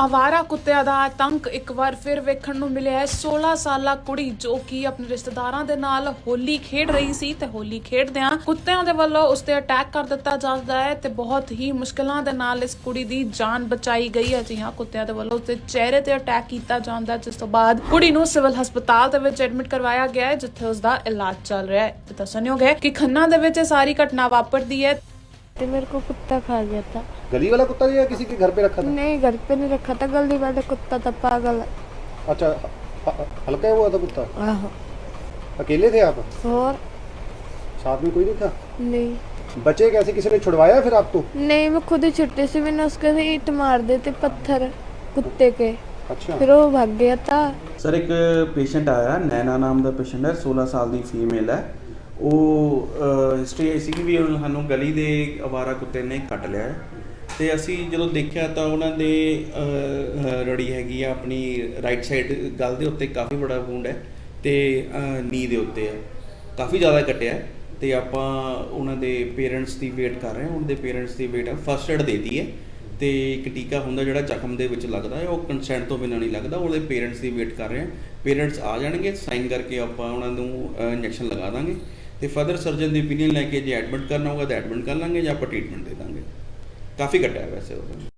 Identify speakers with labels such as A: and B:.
A: ਆਵਾਰਾ ਕੁੱਤਿਆਂ ਦਾ ਆਤੰਕ ਇੱਕ ਵਾਰ ਫਿਰ ਵੇਖਣ ਨੂੰ ਮਿਲਿਆ ਹੈ। 16 ਸਾਲਾ ਕੁੜੀ ਜੋ ਕਿ ਆਪਣੇ ਰਿਸ਼ਤੇਦਾਰਾਂ ਦੇ ਨਾਲ ਹੋਲੀ ਖੇਡ ਰਹੀ ਸੀ ਤੇ ਹੋਲੀ ਖੇਡਦਿਆਂ ਕੁੱਤਿਆਂ ਦੇ ਵੱਲੋਂ ਉਸ ਤੇ ਅਟੈਕ ਕਰ ਦਿੱਤਾ ਜਾਂਦਾ ਹੈ ਤੇ ਬਹੁਤ ਹੀ ਮੁਸ਼ਕਲਾਂ ਦੇ ਨਾਲ ਇਸ ਕੁੜੀ ਦੀ ਜਾਨ ਬਚਾਈ ਗਈ ਹੈ। ਜੀ ਹਾਂ, ਕੁੱਤਿਆਂ ਦੇ ਵੱਲੋਂ ਉਸਦੇ ਚਿਹਰੇ ਤੇ ਅਟੈਕ ਕੀਤਾ ਜਾਂਦਾ, ਜਿਸ ਤੋਂ ਬਾਅਦ ਕੁੜੀ ਨੂੰ ਸਿਵਲ ਹਸਪਤਾਲ ਦੇ ਵਿੱਚ ਐਡਮਿਟ ਕਰਵਾਇਆ ਗਿਆ ਹੈ, ਜਿੱਥੇ ਉਸ ਦਾ ਇਲਾਜ ਚੱਲ ਰਿਹਾ ਹੈ। ਤੇ ਦੱਸਣਯੋਗ ਹੈ ਕਿ ਖੰਨਾ ਦੇ ਵਿੱਚ ਇਹ ਸਾਰੀ घटना वापरती है।
B: तो मेरे को कुत्ता खा गया था।
C: गली वाला कुत्ता या किसी के घर पे रखा था?
B: नहीं, घर पे नहीं रखा था, गली वाला कुत्ता था, पागल।
C: अच्छा, हल्का हुआ था कुत्ता?
B: आहो।
C: अकेले थे आप?
B: और
C: साथ में कोई नहीं था?
B: नहीं।
C: बचे कैसे, किसी ने छुड़वाया फिर आपको?
B: नहीं, मैं खुद ही छुट्टी से मैंने उसके से ईंट मार देते पत्थर कुत्ते के।
C: अच्छा।
B: फिर वो भाग गया था।
D: सर एक पेशेंट आया, नैना नाम का पेशेंट है, 16 साल की फीमेल है। ਉਹ ਹਿਸਟਰੀ ਆਈ ਸੀ ਕਿ ਵੀ ਸਾਨੂੰ ਗਲੀ ਦੇ ਅਵਾਰਾ ਕੁੱਤੇ ਨੇ ਕੱਟ ਲਿਆ ਹੈ ਤੇ ਅਸੀਂ ਜਦੋਂ ਦੇਖਿਆ ਤਾਂ ਉਹਨਾਂ ਦੇ ਰੜੀ ਹੈਗੀ ਆ ਆਪਣੀ ਰਾਈਟ ਸਾਈਡ ਗਲ ਦੇ ਉੱਤੇ ਕਾਫੀ ਬੜਾ ਵੂੰਡ ਹੈ ਤੇ ਨੀ ਦੇ ਉੱਤੇ ਹੈ, ਕਾਫੀ ਜ਼ਿਆਦਾ ਕੱਟਿਆ ਹੈ ਤੇ ਆਪਾਂ ਉਹਨਾਂ ਦੇ ਪੇਰੈਂਟਸ ਦੀ ਵੇਟ ਕਰ ਰਹੇ ਹਾਂ। ਉਹਨਾਂ ਦੇ ਪੇਰੈਂਟਸ ਦੀ ਵੇਟ ਫਸਟ ਏਡ ਦੇਤੀ ਹੈ ਤੇ ਇੱਕ ਟੀਕਾ ਹੁੰਦਾ ਜਿਹੜਾ ਜ਼ਖਮ ਦੇ ਵਿੱਚ ਲੱਗਦਾ ਹੈ, ਉਹ ਕੰਸੈਂਟ ਤੋਂ ਬਿਨਾਂ ਨਹੀਂ ਲੱਗਦਾ। ਉਹਦੇ ਪੇਰੈਂਟਸ ਦੀ ਵੇਟ ਕਰ ਰਹੇ ਹਾਂ। ਪੇਰੈਂਟਸ ਆ ਜਾਣਗੇ, ਸਾਈਨ ਕਰਕੇ ਆਪਾਂ ਉਹਨਾਂ ਨੂੰ ਇੰਜੈਕਸ਼ਨ ਲਗਾ ਦਾਂਗੇ ਤੇ ਫਰਦਰ ਸਰਜਨ ਦੀ ਓਪੀਨੀਅਨ ਲੈ ਕੇ ਜੇ ਐਡਮਿਟ ਕਰਨਾ ਹੋਗਾ ਤਾਂ ਐਡਮਿਟ ਕਰ ਲਾਂਗੇ ਜਾਂ ਆਪਾਂ ਟ੍ਰੀਟਮੈਂਟ ਦੇ ਦਾਂਗੇ। ਕਾਫੀ ਘਟਿਆ ਵੈਸੇ ਉਹ।